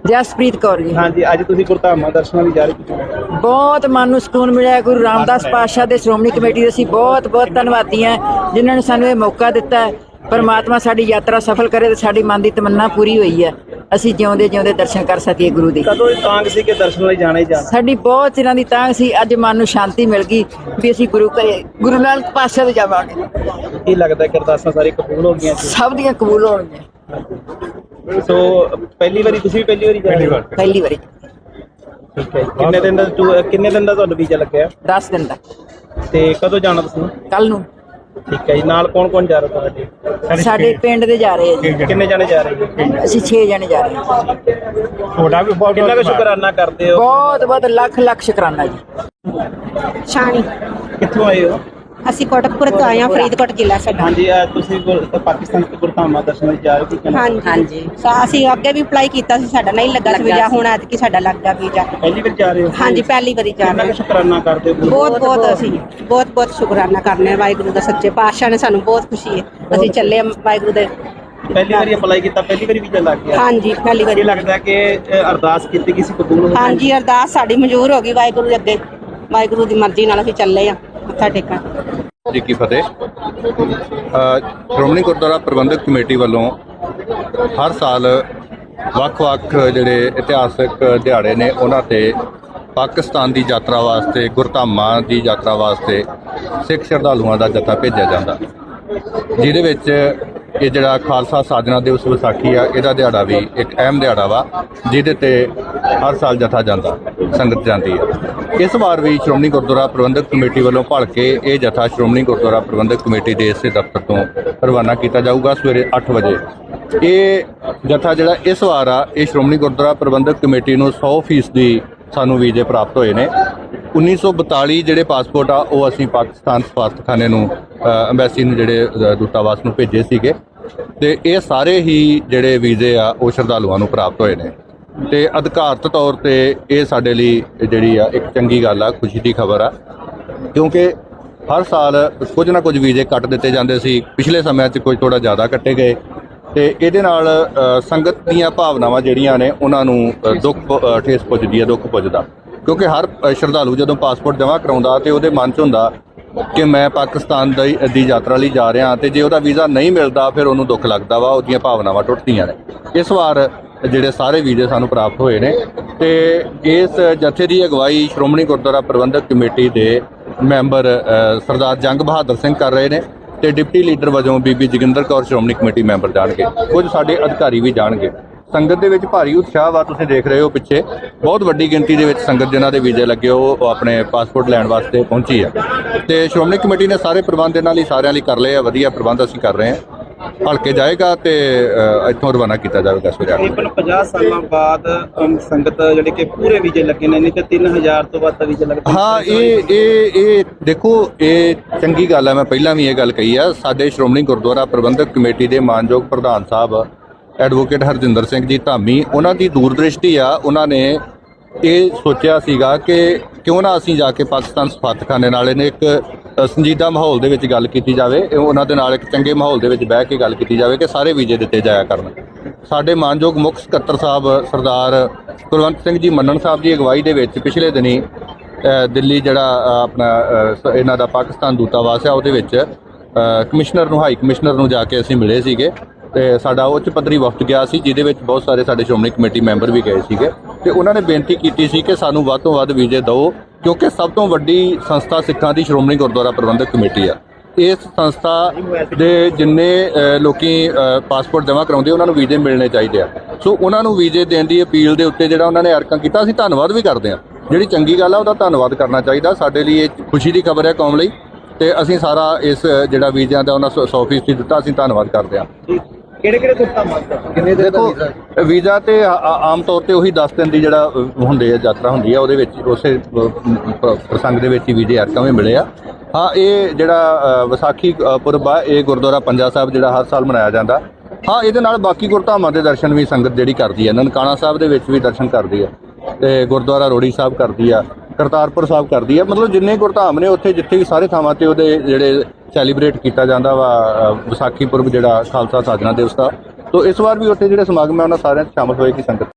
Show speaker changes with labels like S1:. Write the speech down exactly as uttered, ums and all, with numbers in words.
S1: ਜਸਪ੍ਰੀਤ ਕੌਰ ਜੀ।
S2: ਹਾਂਜੀ, ਅੱਜ ਤੁਸੀਂ ਗੁਰਧਾਮਾਂ ਦਰਸ਼ਨਾਂ ਲਈ ਜਾ ਰਹੇ ਹੋ,
S1: ਬਹੁਤ ਮਨ ਨੂੰ ਸਕੂਨ ਮਿਲਿਆ। ਗੁਰੂ ਰਾਮਦਾਸ ਪਾਤਸ਼ਾਹ ਦੇ ਸ਼੍ਰੋਮਣੀ ਕਮੇਟੀ ਦੇ ਅਸੀਂ ਬਹੁਤ ਬਹੁਤ ਧੰਨਵਾਦੀ ਹਾਂ ਜਿਨ੍ਹਾਂ ਨੇ ਸਾਨੂੰ ਇਹ ਮੌਕਾ ਦਿੱਤਾ ਹੈ। ਪਰਮਾਤਮਾ ਸਾਡੀ ਯਾਤਰਾ ਸਫਲ ਕਰੇ ਤੇ ਸਾਡੀ ਮਨ ਦੀ ਤਮੰਨਾ ਪੂਰੀ ਹੋਈ ਹੈ, ਅਸੀਂ ਜਿਉਂਦੇ ਜਿਉਂਦੇ ਦਰਸ਼ਨ ਕਰ ਸਕੀਏ ਗੁਰੂ ਦੇ।
S2: ਕਦੋਂ ਇਹ ਤਾਂਗ ਸੀ ਕਿ ਦਰਸ਼ਨ ਲਈ ਜਾਣਾ ਹੀ ਜਾਣਾ?
S1: ਸਾਡੀ ਬਹੁਤ ਚਿਰਾਂ ਦੀ ਤਾਂਘ ਸੀ, ਅੱਜ ਮਨ ਨੂੰ ਸ਼ਾਂਤੀ ਮਿਲ ਗਈ ਵੀ ਅਸੀਂ ਗੁਰੂ ਘਰੇ ਗੁਰੂ ਨਾਨਕ ਪਾਤਸ਼ਾਹ ਦੇ ਜਾਵਾਂਗੇ।
S2: ਕੀ ਲੱਗਦਾ ਕਿ ਅਰਦਾਸਾਂ ਸਾਰੀ ਕਬੂਲ ਹੋ ਗਈਆਂ?
S1: ਸਭ ਦੀਆਂ ਕਬੂਲ ਹੋਣਗੀਆਂ।
S2: ਸੋ ਪਹਿਲੀ ਵਾਰੀ ਤੁਸੀਂ ਵੀ ਪਹਿਲੀ ਵਾਰੀ ਜਾ ਰਹੇ ਹੋ?
S1: ਪਹਿਲੀ ਵਾਰੀ।
S2: ਠੀਕ ਹੈ। ਕਿੰਨੇ ਦਿਨ ਦਾ ਟੂ- ਕਿੰਨੇ ਦਿਨ ਦਾ ਤੁਹਾਨੂੰ ਵੀਜ਼ਾ ਲੱਗਿਆ?
S1: ਦਸ ਦਿਨ ਦਾ।
S2: ਤੇ ਕਦੋਂ ਜਾਣਾ ਤੁਸੀਂ?
S1: ਕੱਲ ਨੂੰ।
S2: ਠੀਕ ਹੈ ਜੀ। ਨਾਲ ਕੌਣ ਕੌਣ ਜਾ ਰਿਹਾ ਤੁਹਾਡੇ?
S1: ਸਾਡੇ ਪਿੰਡ ਦੇ ਜਾ ਰਹੇ ਆ ਜੀ।
S2: ਕਿੰਨੇ ਜਾਣੇ ਜਾ ਰਹੇ ਜੀ?
S1: ਅਸੀਂ ਛੇ ਜਣੇ ਜਾ ਰਹੇ ਹਾਂ।
S2: ਤੁਹਾਡਾ ਵੀ ਬਹੁਤ ਕਿੰਨਾ ਕੁ ਸ਼ੁਕਰਾਨਾ ਕਰਦੇ ਹੋ?
S1: ਬਹੁਤ ਬਹੁਤ ਲੱਖ ਲੱਖ ਸ਼ੁਕਰਾਨਾ ਜੀ।
S3: ਸ਼ਾਨੀ।
S2: ਕਿੱਥੋਂ ਆਏ ਹੋ?
S3: ਅਸੀਂ ਕੋਟਕਪੁਰ ਤੋਂ ਆਏ ਹਾਂ, ਫਰੀਦਕੋਟ ਜ਼ਿਲ੍ਹਾ ਸਾਡਾ।
S2: ਹਾਂਜੀ, ਅੱਜ ਤੁਸੀਂ ਗੁਰ- ਪਾਕਿਸਤਾਨ ਤੋਂ ਗੁਰਧਾਮਾਂ ਦਰਸ਼ਨ ਲਈ ਜਾ ਰਹੇ ਹੋ, ਕੀ ਕਹਿਣਾ?
S3: ਹਾਂਜੀ ਹਾਂਜੀ ਸਾ- ਅਸੀਂ ਅੱਗੇ ਵੀ ਅਪਲਾਈ ਕੀਤਾ ਸੀ, ਸਾਡਾ ਨਹੀਂ ਲੱਗਾ ਸੀ ਵੀਜ਼ਾ, ਹੁਣ ਐਤਕੀ ਸਾਡਾ ਲੱਗ ਗਿਆ ਵੀਜ਼ਾ।
S2: ਪਹਿਲੀ ਵਾਰ ਜਾ ਰਹੇ ਹੋ?
S3: ਹਾਂਜੀ, ਪਹਿਲੀ ਵਾਰੀ ਜਾ
S2: ਕਿੰਨਾ
S3: ਰਹੇ
S2: ਕੁ ਸ਼ੁਕਰਾਨਾ ਕਰਦੇ ਹੋ?
S3: ਬਹੁਤ ਬਹੁਤ ਅਸੀਂ ਬਹੁਤ ਬਹੁਤ ਸ਼ੁਕਰਾਨਾ ਕਰਨੇ ਹਾਂ ਵਾਹਿਗੁਰੂ ਦਾ, ਸੱਚੇ ਪਾਤਸ਼ਾਹ ਨੇ ਸਾਨੂੰ ਬਹੁਤ ਖੁਸ਼ੀ ਹੈ, ਅਸੀਂ ਚੱਲੇ ਹਾਂ ਵਾਹਿਗੁਰੂ ਦੇ।
S2: ਪਹਿਲੀ ਵਾਰੀ ਅਪਲਾਈ ਕੀਤਾ, ਪਹਿਲੀ ਵਾਰੀ ਵੀਜ਼ਾ ਲੱਗ ਗਿਆ?
S3: ਹਾਂਜੀ, ਪਹਿਲੀ
S2: ਇਹ
S3: ਵਾਰੀ।
S2: ਲੱਗਦਾ ਕਿ ਅ, ਅਰਦਾਸ ਕੀਤੀ ਕਿਸੇ ਕਬੂਲ ਹੋ ਗਈ?
S3: ਹਾਂਜੀ, ਅਰਦਾਸ ਸਾਡੀ ਮਨਜ਼ੂਰ ਹੋ ਗਈ ਵਾਹਿਗੁਰੂ ਦੇ ਅੱਗੇ, ਵਾਹਿਗੁਰੂ ਦੀ ਮਰਜ਼ੀ ਨਾਲ ਅਸੀਂ ਚੱਲੇ ਹਾਂ ਮੱਥਾ ਟੇਕਣ।
S4: ਜੀ ਕੀ ਫਤਿਹ। ਅ, ਸ਼੍ਰੋਮਣੀ ਗੁਰਦੁਆਰਾ ਪ੍ਰਬੰਧਕ ਕਮੇਟੀ ਵੱਲੋਂ ਹਰ ਸਾਲ ਵੱਖ-ਵੱਖ ਜਿਹੜੇ ਇਤਿਹਾਸਕ ਦਿਹਾੜੇ ਨੇ ਉਹਨਾਂ ਤੇ ਪਾਕਿਸਤਾਨ ਦੀ ਯਾਤਰਾ ਵਾਸਤੇ, ਗੁਰਧਾਮਾਂ ਦੀ ਯਾਤਰਾ ਵਾਸਤੇ ਸਿੱਖ ਸ਼ਰਧਾਲੂਆਂ ਦਾ ਜੱਥਾ ਭੇਜਿਆ ਜਾਂਦਾ, ਜਿਹਦੇ ਵਿੱਚ ਇਹ ਜਿਹੜਾ ਖਾਲਸਾ ਸਾਜਨਾ ਦਿਵਸ ਵਿਸਾਖੀ ਆ, ਇਹਦਾ ਦਿਹਾੜਾ ਵੀ ਇੱਕ ਅਹਿਮ ਦਿਹਾੜਾ ਵਾ, ਜਿਹਦੇ ਤੇ ਹਰ ਸਾਲ ਜੱਥਾ ਜਾਂਦਾ, ਸੰਗਤ ਜਾਂਦੀ ਹੈ। ਇਸ ਵਾਰ ਵੀ ਸ਼੍ਰੋਮਣੀ ਗੁਰਦੁਆਰਾ ਪ੍ਰਬੰਧਕ ਕਮੇਟੀ ਵੱਲੋਂ ਭਲ ਕੇ ਇਹ ਜੱਥਾ ਸ਼੍ਰੋਮਣੀ ਗੁਰਦੁਆਰਾ ਪ੍ਰਬੰਧਕ ਕਮੇਟੀ ਦੇ ਇਸੇ ਦਫ਼ਤਰ ਤੋਂ ਰਵਾਨਾ ਕੀਤਾ ਜਾਊਗਾ ਸਵੇਰੇ ਅੱਠ ਵਜੇ। ਇਹ ਜੱਥਾ ਜਿਹੜਾ ਇਸ ਵਾਰ ਆ, ਇਹ ਸ਼੍ਰੋਮਣੀ ਗੁਰਦੁਆਰਾ ਪ੍ਰਬੰਧਕ ਕਮੇਟੀ ਨੂੰ ਸੌ ਫੀਸਦੀ ਸਾਨੂੰ ਵੀਜ਼ੇ ਪ੍ਰਾਪਤ ਹੋਏ ਨੇ। ਉੱਨੀ ਸੌ ਬਤਾਲੀ ਜਿਹੜੇ ਪਾਸਪੋਰਟ ਆ ਉਹ ਅਸੀਂ ਪਾਕਿਸਤਾਨ ਸਫਾਰਤਖਾਨੇ ਨੂੰ, ਅੰਬੈਸੀ ਨੂੰ, ਜਿਹੜੇ ਦੂਤਾਵਾਸ ਨੂੰ ਭੇਜੇ ਸੀਗੇ, ਤੇ ਇਹ ਸਾਰੇ ਹੀ ਜਿਹੜੇ ਵੀਜ਼ੇ ਆ ਉਹ ਸ਼ਰਧਾਲੂਆਂ ਨੂੰ ਪ੍ਰਾਪਤ ਹੋਏ ਨੇ। ਤੇ ਅਧਿਕਾਰਤ ਤੌਰ ਤੇ ਇਹ ਸਾਡੇ ਲਈ ਜਿਹੜੀ ਆ ਇੱਕ ਚੰਗੀ ਗੱਲ ਆ, ਖੁਸ਼ੀ ਦੀ ਖਬਰ ਆ, ਕਿਉਂਕਿ ਹਰ ਸਾਲ ਕੁਝ ਨਾ ਕੁਝ ਵੀਜ਼ੇ ਕੱਟ ਦਿੱਤੇ ਜਾਂਦੇ ਸੀ। ਪਿਛਲੇ ਸਮਿਆਂ 'ਚ ਕੁਝ ਥੋੜਾ ਜ਼ਿਆਦਾ ਕੱਟੇ ਗਏ, ਤੇ ਇਹਦੇ ਨਾਲ ਸੰਗਤ ਦੀਆਂ ਭਾਵਨਾਵਾਂ ਜਿਹੜੀਆਂ ਨੇ ਉਹਨਾਂ ਨੂੰ ਦੁੱਖ ਠੇਸ ਪੁੱਜਦੀ ਹੈ, ਦੁੱਖ ਪੁੱਜਦਾ, ਕਿਉਂਕਿ ਹਰ ਸ਼ਰਧਾਲੂ ਜਦੋਂ ਪਾਸਪੋਰਟ ਜਮ੍ਹਾਂ ਕਰਾਉਂਦਾ ਤੇ ਉਹਦੇ ਮਨ 'ਚ ਹੁੰਦਾ ਕਿ ਮੈਂ ਪਾਕਿਸਤਾਨ ਦੀ ਦੀ ਯਾਤਰਾ ਲਈ ਜਾ ਰਿਹਾ, ਤੇ ਜੇ ਉਹਦਾ ਵੀਜ਼ਾ ਨਹੀਂ ਮਿਲਦਾ ਫਿਰ ਉਹਨੂੰ ਦੁੱਖ ਲੱਗਦਾ ਵਾ, ਉਹਦੀਆਂ ਭਾਵਨਾਵਾਂ ਟੁੱਟਦੀਆਂ ਨੇ। ਇਸ ਵਾਰ ਜਿਹੜੇ ਸਾਰੇ ਵੀਜ਼ੇ ਸਾਨੂੰ ਪ੍ਰਾਪਤ ਹੋਏ ਨੇ, ਤੇ ਇਸ ਜਥੇ ਦੀ ਅਗਵਾਈ ਸ਼੍ਰੋਮਣੀ ਗੁਰਦੁਆਰਾ ਪ੍ਰਬੰਧਕ ਕਮੇਟੀ ਦੇ ਮੈਂਬਰ ਸਰਦਾਰ ਜੰਗ ਬਹਾਦਰ ਸਿੰਘ ਕਰ ਰਹੇ ਨੇ, ਤੇ ਡਿਪਟੀ ਲੀਡਰ ਵਜੋਂ ਬੀਬੀ ਜੋਗਿੰਦਰ ਕੌਰ ਸ਼੍ਰੋਮਣੀ ਕਮੇਟੀ ਮੈਂਬਰ ਜਾਣਗੇ, ਕੁਝ ਸਾਡੇ ਅਧਿਕਾਰੀ ਵੀ ਜਾਣਗੇ। ਸੰਗਤ ਦੇ ਵਿੱਚ ਭਾਰੀ ਉਤਸ਼ਾਹ ਵਾ, ਤੁਸੀਂ ਦੇਖ ਰਹੇ ਹੋ ਪਿੱਛੇ ਬਹੁਤ ਵੱਡੀ ਗਿਣਤੀ ਦੇ ਵਿੱਚ ਸੰਗਤ ਜਿਨ੍ਹਾਂ ਦੇ ਵੀਜ਼ੇ ਲੱਗੇ ਉਹ ਆਪਣੇ ਪਾਸਪੋਰਟ ਲੈਣ ਵਾਸਤੇ ਪਹੁੰਚੀ ਹੈ, ਤੇ ਸ਼੍ਰੋਮਣੀ ਕਮੇਟੀ ਨੇ ਸਾਰੇ ਪ੍ਰਬੰਧ ਇਹਨਾਂ ਲਈ ਸਾਰਿਆਂ ਲਈ ਕਰ ਲਏ ਆ, ਵਧੀਆ ਪ੍ਰਬੰਧ ਅਸੀਂ ਕਰ ਰਹੇ ਹਾਂ। ਹਲਕੇ ਜਾਏਗਾ ਤੇ ਇੱਥੋਂ ਰਵਾਨਾ ਕੀਤਾ ਜਾਵੇਗਾ ਸਵੇਰੇ।
S2: ਤਕਰੀਬਨ ਪੰਜਾਹ ਸਾਲਾਂ ਬਾਅਦ ਅਮ, ਸੰਗਤ ਜਿਹੜੇ ਕਿ ਪੂਰੇ ਵੀਜ਼ੇ ਲੱਗੇ ਨੇ, ਨਹੀਂ ਤੇ ਤਿੰਨ ਹਜ਼ਾਰ ਤੋਂ ਵੱਧ ਵੀਜ਼ੇ ਲੱਗਦੇ।
S4: ਹਾਂ, ਇਹ ਇਹ ਇਹ ਦੇਖੋ, ਇਹ ਚੰਗੀ ਗੱਲ ਹੈ। ਮੈਂ ਪਹਿਲਾਂ ਵੀ ਇਹ ਗੱਲ ਕਹੀ ਆ, ਸਾਡੇ ਸ਼੍ਰੋਮਣੀ ਗੁਰਦੁਆਰਾ ਪ੍ਰਬੰਧਕ ਕਮੇਟੀ ਦੇ ਮਾਨਯੋਗ ਪ੍ਰਧਾਨ ਸਾਹਿਬ ਐਡਵੋਕੇਟ ਹਰਜਿੰਦਰ ਸਿੰਘ ਜੀ ਧਾਮੀ, ਉਹਨਾਂ ਦੀ ਦੂਰਦ੍ਰਿਸ਼ਟੀ ਆ। ਉਹਨਾਂ ਨੇ ਇਹ ਸੋਚਿਆ ਸੀਗਾ ਕਿ ਕਿਉਂ ਨਾ ਅਸੀਂ ਜਾ ਕੇ ਪਾਕਿਸਤਾਨ ਸਫਾਰਤਖਾਨੇ ਨਾਲ ਇਹਨੇ ਇੱਕ ਸੰਜੀਦਾ ਮਾਹੌਲ ਦੇ ਵਿੱਚ ਗੱਲ ਕੀਤੀ ਜਾਵੇ, ਉਹਨਾਂ ਦੇ ਨਾਲ ਇੱਕ ਚੰਗੇ ਮਾਹੌਲ ਦੇ ਵਿੱਚ ਬਹਿ ਕੇ ਗੱਲ ਕੀਤੀ ਜਾਵੇ ਕਿ ਸਾਰੇ ਵੀਜ਼ੇ ਦਿੱਤੇ ਜਾਇਆ ਕਰਨ। ਸਾਡੇ ਮਾਨਯੋਗ ਮੁੱਖ ਸਕੱਤਰ ਸਾਹਿਬ ਸਰਦਾਰ ਕੁਲਵੰਤ ਸਿੰਘ ਜੀ ਮੰਨਣ ਸਾਹਿਬ ਦੀ ਅਗਵਾਈ ਦੇ ਵਿੱਚ ਪਿਛਲੇ ਦਿਨੀ ਦਿੱਲੀ ਜਿਹੜਾ ਆਪਣਾ ਇਹਨਾਂ ਦਾ ਪਾਕਿਸਤਾਨ ਦੂਤਾਵਾਸ ਆ, ਉਹਦੇ ਵਿੱਚ ਕਮਿਸ਼ਨਰ ਨੂੰ, ਹਾਈ ਕਮਿਸ਼ਨਰ ਨੂੰ ਜਾ ਕੇ ਅਸੀਂ ਮਿਲੇ ਸੀਗੇ, ਤੇ ਸਾਡਾ ਉੱਚ ਪੱਧਰੀ ਵਫਦ ਗਿਆ ਸੀ, ਜਿਹਦੇ ਵਿੱਚ ਬਹੁਤ ਸਾਰੇ ਸਾਡੇ ਸ਼੍ਰੋਮਣੀ ਕਮੇਟੀ ਮੈਂਬਰ ਵੀ ਗਏ ਸੀਗੇ, ਤੇ ਉਹਨਾਂ ਨੇ ਬੇਨਤੀ ਕੀਤੀ ਸੀ ਕਿ ਸਾਨੂੰ ਵੱਧ ਤੋਂ ਵੱਧ ਵੀਜ਼ੇ ਦਿਓ, ਕਿਉਂਕਿ ਸਭ ਤੋਂ ਵੱਡੀ ਸੰਸਥਾ ਸਿੱਖਾਂ ਦੀ ਸ਼੍ਰੋਮਣੀ ਗੁਰਦੁਆਰਾ ਪ੍ਰਬੰਧਕ ਕਮੇਟੀ ਆ। ਇਸ ਸੰਸਥਾ ਦੇ ਜਿੰਨੇ ਲੋਕੀ ਪਾਸਪੋਰਟ ਜਮ੍ਹਾਂ ਕਰਾਉਂਦੇ ਉਹਨਾਂ ਨੂੰ ਵੀਜ਼ੇ ਮਿਲਣੇ ਚਾਹੀਦੇ ਆ, ਸੋ ਉਹਨਾਂ ਨੂੰ ਵੀਜ਼ੇ ਦੇਣ ਦੀ ਅਪੀਲ ਦੇ ਉੱਤੇ ਜਿਹੜਾ ਉਹਨਾਂ ਨੇ ਅਰਕਾਂ ਕੀਤਾ, ਅਸੀਂ ਧੰਨਵਾਦ ਵੀ ਕਰਦੇ ਹਾਂ। ਜਿਹੜੀ ਚੰਗੀ ਗੱਲ ਆ ਉਹਦਾ ਧੰਨਵਾਦ ਕਰਨਾ ਚਾਹੀਦਾ, ਸਾਡੇ ਲਈ ਇਹ ਖੁਸ਼ੀ ਦੀ ਖਬਰ ਹੈ ਕੌਮ ਲਈ, ਤੇ ਅਸੀਂ ਸਾਰਾ ਇਸ ਜਿਹੜਾ ਵੀਜ਼ਿਆਂ ਦਾ ਉਹਨਾਂ ਸੌ ਫੀਸਦੀ ਦਿੱਤਾ, ਅਸੀਂ ਧੰਨਵਾਦ ਕਰਦੇ ਹਾਂ।
S2: ਕਿਹੜੇ ਕਿਹੜੇ ਗੁਰਧਾਮਾਂ ਕਿੰਨੇ ਦਿਨ
S4: ਦੇਖੋ, ਵੀਜ਼ਾ ਤੇ ਆਮ ਤੌਰ ਤੇ ਉਹੀ ਦਸ ਦਿਨ ਦੀ ਜਿਹੜਾ ਹੁੰਦੇ ਆ ਯਾਤਰਾ ਹੁੰਦੀ ਆ, ਉਹਦੇ ਵਿੱਚ ਉਸੇ ਪ੍ਰਸੰਗ ਦੇ ਵਿੱਚ ਹੀ ਵੀਜ਼ੇ ਅਰਕਾਂ ਵੀ ਮਿਲੇ ਆ। ਹਾਂ, ਇਹ ਜਿਹੜਾ ਵਿਸਾਖੀ ਪੁਰਬ ਆ, ਇਹ ਗੁਰਦੁਆਰਾ ਪੰਜਾ ਸਾਹਿਬ ਜਿਹੜਾ ਹਰ ਸਾਲ ਮਨਾਇਆ ਜਾਂਦਾ। ਹਾਂ, ਇਹਦੇ ਨਾਲ ਬਾਕੀ ਗੁਰਧਾਮਾਂ ਦੇ ਦਰਸ਼ਨ ਵੀ ਸੰਗਤ ਜਿਹੜੀ ਕਰਦੀ ਹੈ, ਨਨਕਾਣਾ ਸਾਹਿਬ ਦੇ ਵਿੱਚ ਵੀ ਦਰਸ਼ਨ ਕਰਦੀ ਹੈ, ਤੇ ਗੁਰਦੁਆਰਾ ਰੋੜੀ ਸਾਹਿਬ ਕਰਦੀ ਆ, ਕਰਤਾਰਪੁਰ ਸਾਹਿਬ ਕਰਦੀ ਆ। ਮਤਲਬ ਜਿੰਨੇ ਗੁਰਧਾਮ ਨੇ ਉੱਥੇ ਜਿੱਥੇ ਵੀ ਸਾਰੇ ਥਾਵਾਂ ਤੇ ਉਹਦੇ ਜਿਹੜੇ ਸੈਲੀਬ੍ਰੇਟ ਕੀਤਾ ਜਾਂਦਾ ਵਾ ਵਿਸਾਖੀ ਪੁਰਬ ਜਿਹੜਾ ਖਾਲਸਾ ਸਾਜਨਾ ਦਿਵਸ ਦਾ। ਤੋ ਇਸ ਵਾਰ ਵੀ ਉੱਥੇ ਜਿਹੜੇ ਸਮਾਗਮ ਹੈ ਉਹਨਾਂ ਸਾਰਿਆਂ 'ਚ ਸ਼ਾਮਲ ਹੋਏਗੀ ਸੰਗਤ।